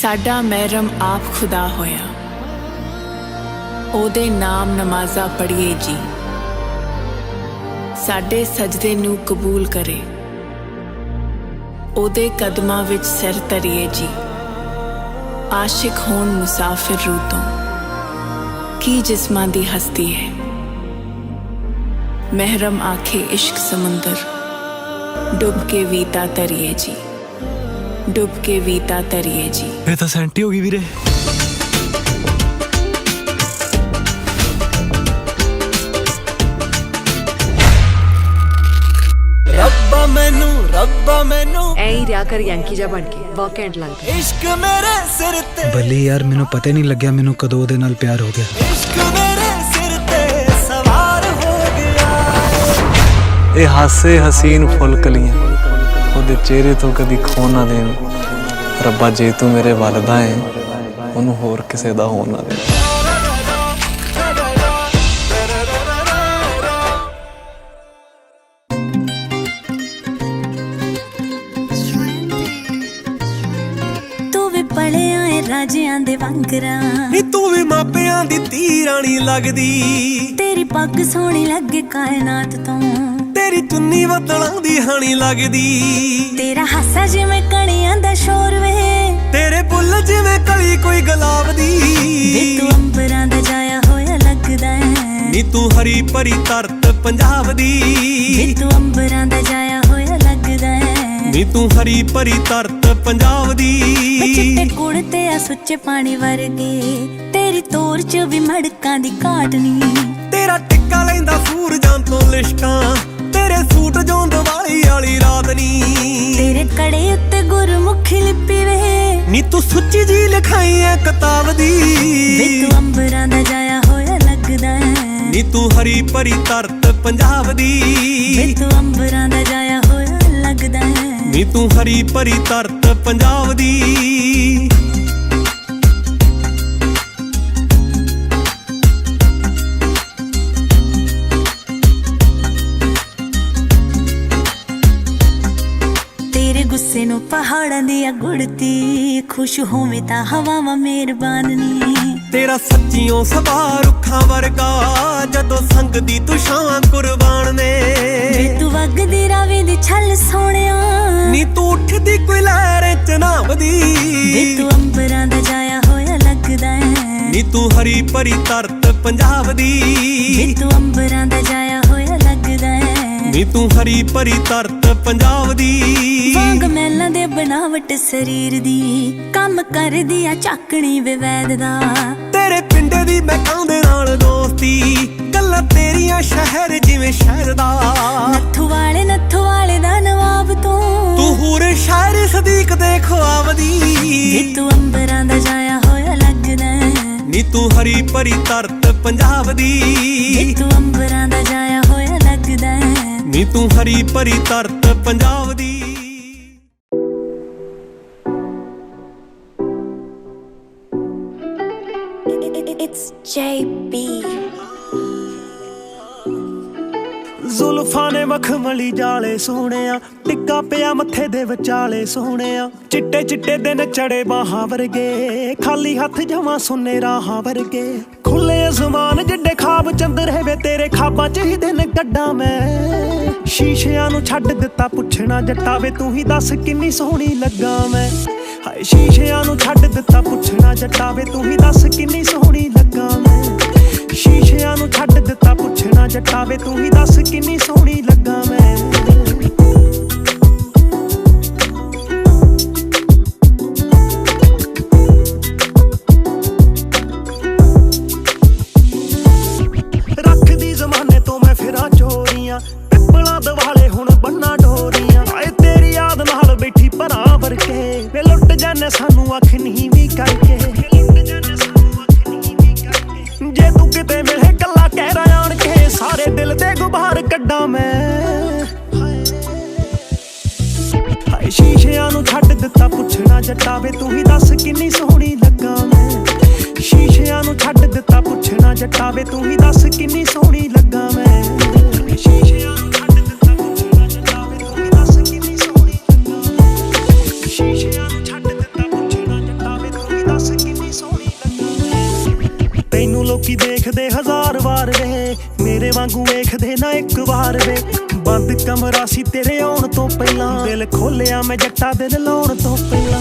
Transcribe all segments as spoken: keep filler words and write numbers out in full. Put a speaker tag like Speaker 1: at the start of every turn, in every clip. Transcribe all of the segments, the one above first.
Speaker 1: साडा महरम आप खुदा होया, ओदे नाम नमाज़ा पढ़िए जी। साडे सजदे नू कबूल करे, ओदे कदमां विच सिर धरिए जी। आशिक होण मुसाफिर रूह तों की जिस्मां दी हस्ती है। महरम आखे इश्क समुंदर, डुब के वीता तरिए जी, डुब के वीता तरिए जी।
Speaker 2: ये तो सेंटी होगी वीरे। रब्बा मैनू रब्बा मैनू
Speaker 3: ऐ ही रिया कर यंकी जा बन के वॉकेंड लंघ
Speaker 2: इश्क मेरे सिर ते।
Speaker 4: भले यार मैनू पता ही नहीं लग्या मैनू कदों ओहदे नाल प्यार हो गया।
Speaker 2: इश्क मेरे सिर ते सवार हो गया। ये हासे हसीन फुल कलियां ओहदे चेहरे तो कदी खो ना देन। रब्बा जे तू मेरे वालदा है ओनू होर किसे दा हो ना दे।
Speaker 5: राजियां दे वांगरा
Speaker 2: नी तू भी मापियां दी धी रानी लगदी।
Speaker 5: तेरी पग सोहनी लगे कायनात तो,
Speaker 2: तेरी चुन्नी बदलां दी हानी लगदी।
Speaker 5: तेरा हासा जिवें कणियां दा शोर वे,
Speaker 2: तेरे बुल जिवें कली कोई गुलाब दी।
Speaker 5: वे तू अंबरां दा जाया होया लगदा है,
Speaker 2: नी तू हरी भरी धरत पंजाब दी।
Speaker 5: वे तू अंबरां दा जाया होया लगदा है,
Speaker 2: नी तू हरी भरी धरत पंजाब दी।
Speaker 5: चिट्टे कुड़ ते आ सुच्चे पानी वर्गे, तेरी तोर च भी मड़कां दी घाट नी।
Speaker 2: तेरा टिक्का लैंदा सूरजां तो लिशकां, तेरे सूट जों दिवाली वाली रात नी।
Speaker 5: तेरे कड़े उत्ते गुरमुखी लिपि वे,
Speaker 2: नी तू सुच्ची जी लिखाई है किताब दी।
Speaker 5: वे तू अंबरां दा जाया होया लगदा है,
Speaker 2: नी तू हरी भरी धरत पंजाब दी।
Speaker 5: वे तू अंबरां दा जाया होया लगदा है,
Speaker 2: नी तू हरी भरी धरत पंजाब दी।
Speaker 5: तेरे गुस्से नू पहाड़ां दी गुड़ती, खुश होवे तां हवावां मेहरबान नी।
Speaker 2: तेरा सच्चियों सबा रुखां वर्गा, जदों संग दी तू छां कुर्बान ने।
Speaker 5: वे तू वगदी रावी दी छल सोहणिया,
Speaker 2: नी तू उठदी कोई लहर चनाब दी।
Speaker 5: वे तू अंबरां दा जाया होया लगदा है,
Speaker 2: नी तू हरी भरी धरत पंजाब दी।
Speaker 5: वे तू अंबरां दा जाया होया लगदा है,
Speaker 2: नी तू हरी भरी धरत पंजाब दी।
Speaker 5: वांग मैलां दे बनावट शरीर दी, काम करदी आ चाकणी वे वैद दा।
Speaker 2: तेरे पिंडे दी महकां दे नाल दोस्ती, गल्लां तेरियां शहर जिवें शहर दा।
Speaker 5: नत्थू वाले नत्थू वाले दा नवाब तू,
Speaker 2: तू हूर शायर सदीक दे ख्वाब दी।
Speaker 5: वे तू अंबरां दा जाया होया लगदा है,
Speaker 2: नी तू हरी भरी धरत पंजाब दी।
Speaker 5: वे तू अंबरां दा जाया होया लगदा है,
Speaker 2: नी तू हरी भरी धरत पंजाब दी।
Speaker 5: It's J B।
Speaker 6: ਜ਼ੁਲਫਾਂ ਨੇ ਮਖਮਲੀ ਜਾਲੇ ਸੋਹਣਿਆ, ਟਿੱਕਾ ਪਿਆ ਮੱਥੇ ਦੇ ਵਿਚਾਲੇ ਸੋਹਣਿਆ। ਚਿੱਟੇ ਚਿੱਟੇ ਦਿਨ ਚੜੇ ਬਾਹਾਂ ਵਰਗੇ, ਖਾਲੀ ਹੱਥ ਜਵਾਂ ਸੁੰਨੇ ਰਾਹਾਂ ਵਰਗੇ। ਖੁੱਲੇ ਅਸਮਾਨ ਜਿੱਡੇ ਖਾਬ ਚੰਦਰੇ ਵੇ, ਤੇਰੇ ਖਾਬਾਂ ਚ ਹੀ ਦਿਨ ਕੱਢਾਂ ਮੈਂ। ਸ਼ੀਸ਼ਿਆਂ ਨੂੰ ਛੱਡ ਦਿੱਤਾ ਪੁੱਛਣਾ ਜੱਟਾ ਵੇ, ਤੂੰ ਹੀ ਦੱਸ ਕਿੰਨੀ ਸੋਹਣੀ ਲੱਗਾ ਮੈਂ। ਹਾਏ ਸ਼ੀਸ਼ਿਆਂ ਨੂੰ ਛੱਡ ਦਿੱਤਾ ਪੁੱਛਣਾ ਜੱਟਾ ਵੇ, ਤੂੰ ਹੀ ਦੱਸ ਕਿੰਨੀ ਸੋਹਣੀ ਲੱਗਾ ਮੈਂ। ਸ਼ੀਸ਼ਿਆਂ ਨੂੰ ਛੱਡ ਦਿੱਤਾ ਪੁੱਛਣਾ ਜੱਟਾ ਵੇ, ਤੂੰ ਹੀ ਦੱਸ ਕਿੰਨੀ ਸੋਹਣੀ ਲੱਗਾ ਮੈਂ। ਰੱਖਦੀ ਜ਼ਮਾਨੇ ਤੋਂ ਮੈਂ ਫਿਰਾਂ ਚੋਰੀਆਂ, ਪਿੱਪਲਾਂ ਦਿਵਾਲੇ ਹੁਣ ਬੰਨਾ ਡੋਰੀਆਂ। ਆਏ ਤੇਰੀ ਯਾਦ ਨਾਲ ਬੈਠੀ ਭਰਾ ਵਰਗੇ, ਵੇ ਲੁੱਟ ਜਾਨੇ ਸਾਨੂੰ ਅੱਖ ਨੀਵੀਂ ਕਰਕੇ। ਜੇ ਤੂੰ ਕਿਤੇ ਮਿਲੇ ਕੱਲਾ ਕਹਿ ਰਿਹਾ ਆਣ ਕੇ, ਸਾਰੇ ਦਿਲ ਦੇ ਗੁਬਾਰ ਕੱਢਾਂ ਮੈਂ। ਹਾਏ ਸ਼ੀਸ਼ਿਆਂ ਨੂੰ ਛੱਡ ਦਿੱਤਾ ਪੁੱਛਣਾ ਜੱਟਾ ਵੇ, ਤੂੰ ਹੀ ਦੱਸ ਕਿੰਨੀ ਸੋਹਣੀ ਲੱਗਾ ਮੈਂ। ਸ਼ੀਸ਼ਿਆਂ ਨੂੰ ਛੱਡ ਦਿੱਤਾ ਪੁੱਛਣਾ ਜੱਟਾ ਵੇ, ਤੂੰ ਹੀ ਦੱਸ ਕਿੰਨੀ ਸੋਹਣੀ ਲੱਗਾ ਮੈਂ। ਸ਼ੀਸ਼ਿਆਂ ਨੂੰ ਛੱਡ ਦਿੱਤਾ ਪੁੱਛਣਾ ਜੱਟਾ ਵੇ, ਤੂੰ ਹੀ ਦੱਸ ਕਿੰਨੀ ਸੋਹਣੀ ਲੱਗਾ ਮੈਂ। ਸ਼ੀਸ਼ਿਆਂ ਨੂੰ ਛੱਡ ਦਿੱਤਾ ਪੁੱਛਣਾ ਜੱਟਾ ਵੇ। ਦੱਸ ਕਿੰਨੀ ਸੋਹਣੀ ਲੱਗਾ। ਤੈਨੂੰ ਲੋਕੀ ਦੇਖਦੇ ਹਜ਼ਾਰ ਵਾਰ ਵੇ, ਮੇਰੇ ਵਾਂਗੂ ਵੇਖਦੇ ਨਾ ਇੱਕ ਵਾਰ ਵੇ। ਬੰਦ ਕਮਰਾ ਸੀ ਤੇਰੇ ਆਉਣ ਤੋਂ ਪਹਿਲਾਂ, ਦਿਲ ਖੋਲਿਆ ਮੈਂ ਜੱਟਾ ਦਿਲ ਲਾਉਣ ਤੋਂ ਪਹਿਲਾਂ।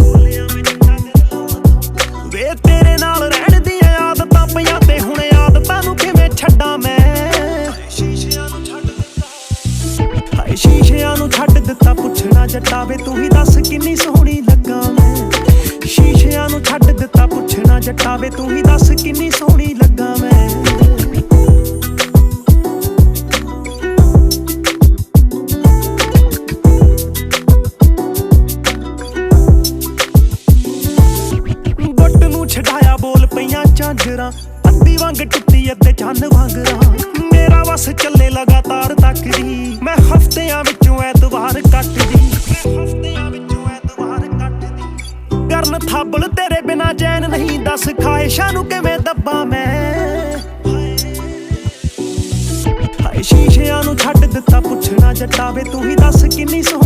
Speaker 6: ਵੇ ਤੇਰੇ ਨਾਲ ਰਹਿਣ ਦੀਆਂ ਆਦਤਾਂ ਪਈਆਂ ਤੇ ਹੁਣ ਆਦਤਾਂ ਨੂੰ ਕਿਵੇਂ ਛੱਡਾਂ ਮੈਂ। ਸ਼ੀਸ਼ਿਆਂ ਨੂੰ ਛੱਡ ਦਿੱਤਾ, ਹਾਏ ਸ਼ੀਸ਼ਿਆਂ ਨੂੰ ਛੱਡ ਦਿੱਤਾ, ਪੁੱਛਣਾ ਜੱਟਾ ਵੇ ਤੂੰ ਹੀ ਦੱਸ ਕਿੰਨੀ ਸੋਹਣੀ ਲੱਗਾ ਮੈਂ। ਸ਼ੀਸ਼ਿਆਂ ਨੂੰ ਛੱਡ ਦਿੱਤਾ, ਪੁੱਛਣਾ ਜੱਟਾ ਵੇ ਤੂੰ ਹੀ ਦੱਸ ਕਿੰਨੀ ਸੋਹਣੀ ਲੱਗਾ ਮੈਂ। ਛਡਾਇਆ ਬੋਲ ਪਈਆਂ ਝਾਂਜਰਾਂ, ਅੱਧੀ ਵਾਂਗ ਟੁੱਟੀ ਅੱਧੇ ਚੰਨ ਵਾਂਗਰਾਂ। ਮੇਰਾ ਵਸ ਚੱਲੇ ਲਗਾਤਾਰ ਤੱਕਦੀ, ਮੈਂ ਹਫ਼ਤਿਆਂ ਵਿੱਚੋਂ ਐਤਵਾਰ ਕੱਟਦੀ। ਹਫ਼ਤਿਆਂ ਵਿੱਚੋਂ ਐਤਵਾਰ ਕੱਟਦੀ। ਕਰਨ ਥਾਬਲ ਤੇਰੇ ਬਿਨਾ ਚੈਨ ਨਹੀਂ, ਦੱਸ ਖਾਹਿਸ਼ਾਂ ਨੂੰ ਕਿਵੇਂ ਦੱਬਾਂ ਮੈਂ। ਹਾਏ ਸ਼ੀਸ਼ਿਆਂ ਨੂੰ ਛੱਡ ਦਿੱਤਾ, ਪੁੱਛਣਾ ਜੱਟਾ ਵੇ ਤੂੰ ਹੀ ਦੱਸ ਕਿੰਨੀ ਸੋਹਣੀ